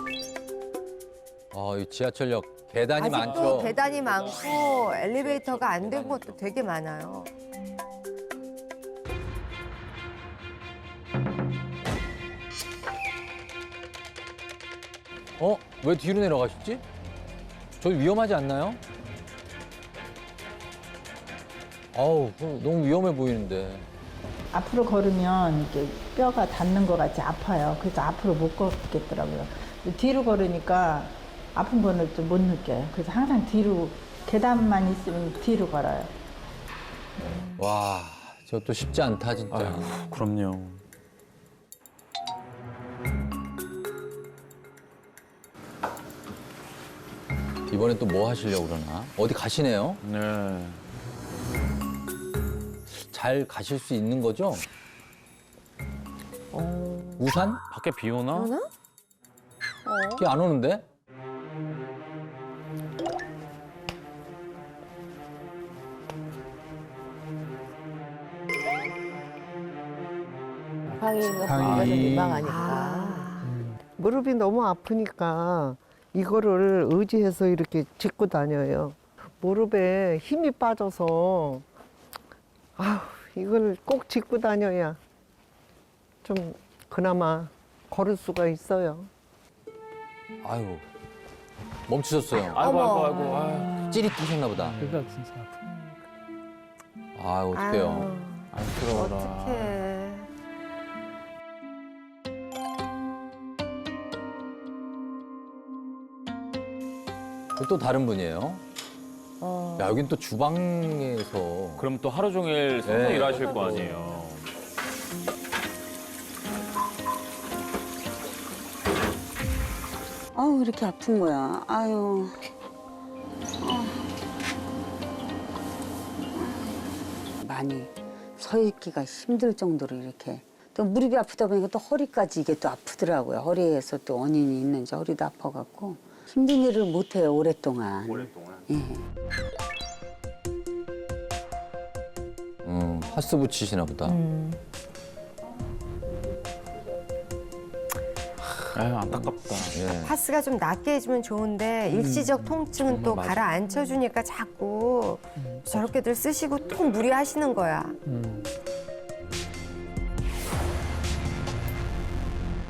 이 지하철역 계단이 아직도 많죠. 계단이 많고 엘리베이터가 안 된 것도 되게 많아요. 왜 뒤로 내려가셨지? 저 위험하지 않나요? 아우, 너무 위험해 보이는데. 앞으로 걸으면 이렇게 뼈가 닿는 것 같이 아파요. 그래서 앞으로 못 걷겠더라고요. 뒤로 걸으니까 아픈 거는 좀 못 느껴요. 그래서 항상 뒤로, 계단만 있으면 뒤로 걸어요. 와, 저것도 쉽지 않다, 진짜. 아유, 그럼요. 이번엔 또 뭐 하시려고 그러나? 어디 가시네요? 네. 잘 가실 수 있는 거죠? 우산? 밖에 비 오나? 비 안 오는데? 방위가 좀 민망하니까. 무릎이 너무 아프니까 이거를 의지해서 이렇게 짚고 다녀요. 무릎에 힘이 빠져서 이걸 꼭 짚고 다녀야 좀 그나마 걸을 수가 있어요. 아유, 멈추셨어요. 아이고, 아이고, 아이고. 아유. 찌릿하셨나 보다. 그러니까 진짜. 아유, 어떡해요. 안쓰러워라. 어떡해. 또 다른 분이에요. 야, 여긴 또 주방에서. 그럼 또 하루 종일 서서 네. 일하실 거 아니에요. 아우, 이렇게 아픈 거야. 아유. 많이 서 있기가 힘들 정도로 이렇게. 또 무릎이 아프다 보니까 또 허리까지 이게 또 아프더라고요. 허리에서 또 원인이 있는지 허리도 아파갖고. 힘든 일을 못 해요, 오랫동안. 예. 파스 붙이시나 보다. 아유, 안타깝다. 예. 파스가 좀 낫게 해주면 좋은데 일시적 통증은 또 가라앉혀주니까 자꾸 저렇게들 쓰시고 또 무리하시는 거야.